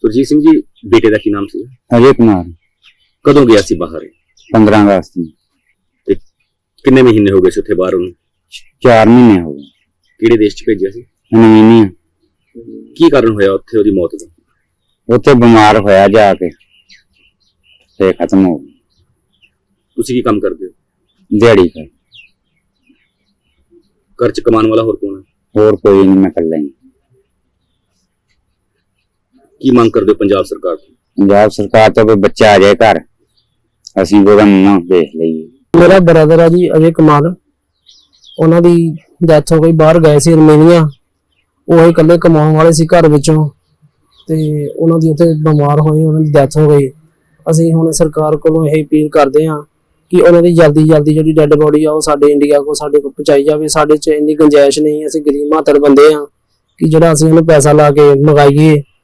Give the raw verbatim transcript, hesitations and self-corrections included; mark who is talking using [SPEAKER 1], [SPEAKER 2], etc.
[SPEAKER 1] ਸੁਰਜੀਤ ਸਿੰਘ ਜੀ ਬੇਟੇ ਦਾ ਕੀ ਨਾਮ ਸੀ?
[SPEAKER 2] अजय कुमार।
[SPEAKER 1] ਕਦੋਂ ਗਿਆ ਸੀ ਬਾਹਰ?
[SPEAKER 2] पंद्रह अगस्त में।
[SPEAKER 1] ਤੇ ਕਿੰਨੇ ਮਹੀਨੇ ਹੋ ਗਏ ਸੀ ਉੱਥੇ ਬਾਹਰ ਉਹਨੂੰ?
[SPEAKER 2] चार महीने हो गए।
[SPEAKER 1] ਕਿਹੜੇ ਦੇਸ਼ 'ਚ ਭੇਜਿਆ ਸੀ?
[SPEAKER 2] नवीनिया
[SPEAKER 1] ਕੀ ਕਾਰਨ ਹੋਇਆ ਉੱਥੇ ਉਹਦੀ ਮੌਤ ਦਾ?
[SPEAKER 2] उत्थे बीमार होया जाके ते खत्म हो गई।
[SPEAKER 1] ਤੁਸੀਂ ਕੀ ਕੰਮ ਕਰਦੇ ਹੋ?
[SPEAKER 2] दिहाड़ी कर
[SPEAKER 1] ਘਰ 'ਚ ਕਮਾਉਣ ਵਾਲਾ ਹੋਰ ਕੌਣ ਹੈ?
[SPEAKER 2] और कोई नहीं, मैं कर लेंगे।
[SPEAKER 1] ਕੀ ਮੰਗ ਕਰਦੇ ਹੋ ਪੰਜਾਬ ਸਰਕਾਰ ਤੋਂ?
[SPEAKER 2] पंजाब सरकार तो कोई बच्चा आ जाए घर, असीं ਉਹਦਾ मुंह देख लईए।
[SPEAKER 3] ਮੇਰਾ ਬ੍ਰਦਰ ਆ ਜੀ ਅਜੇ ਕੁਮਾਰ, ਉਹਨਾਂ ਦੀ ਡੈਥ ਹੋ ਗਈ। ਬਾਹਰ ਗਏ ਸੀ ਰਮੇਨੀਆ, ਉਹ ਹੀ ਇਕੱਲੇ ਕਮਾਉਣ ਵਾਲੇ ਸੀ ਘਰ ਵਿੱਚੋਂ, ਤੇ ਉਹਨਾਂ ਦੀ ਉੱਥੇ ਬਿਮਾਰ ਹੋਏ, ਉਹਨਾਂ ਦੀ ਡੈਥ ਹੋ ਗਈ। ਅਸੀਂ ਹੁਣ ਸਰਕਾਰ ਕੋਲੋਂ ਇਹ ਅਪੀਲ ਕਰਦੇ ਹਾਂ ਕਿ ਉਹਨਾਂ ਦੀ ਜਲਦੀ ਜਲਦੀ ਜਿਹੜੀ ਡੈੱਡ ਬੋਡੀ ਆ ਉਹ ਸਾਡੇ ਇੰਡੀਆ ਕੋਲ ਸਾਡੇ ਕੋਲ ਪਹੁੰਚਾਈ ਜਾਵੇ। ਸਾਡੇ 'ਚ ਇੰਨੀ ਗੁੰਜਾਇਸ਼ ਨਹੀਂ, ਅਸੀਂ ਗਰੀਬ ਮਾਤਰ ਬੰਦੇ ਹਾਂ ਕਿ ਜਿਹੜਾ ਅਸੀਂ ਉਹਨੂੰ ਪੈਸਾ ਲਾ ਕੇ ਮੰਗਾਈਏ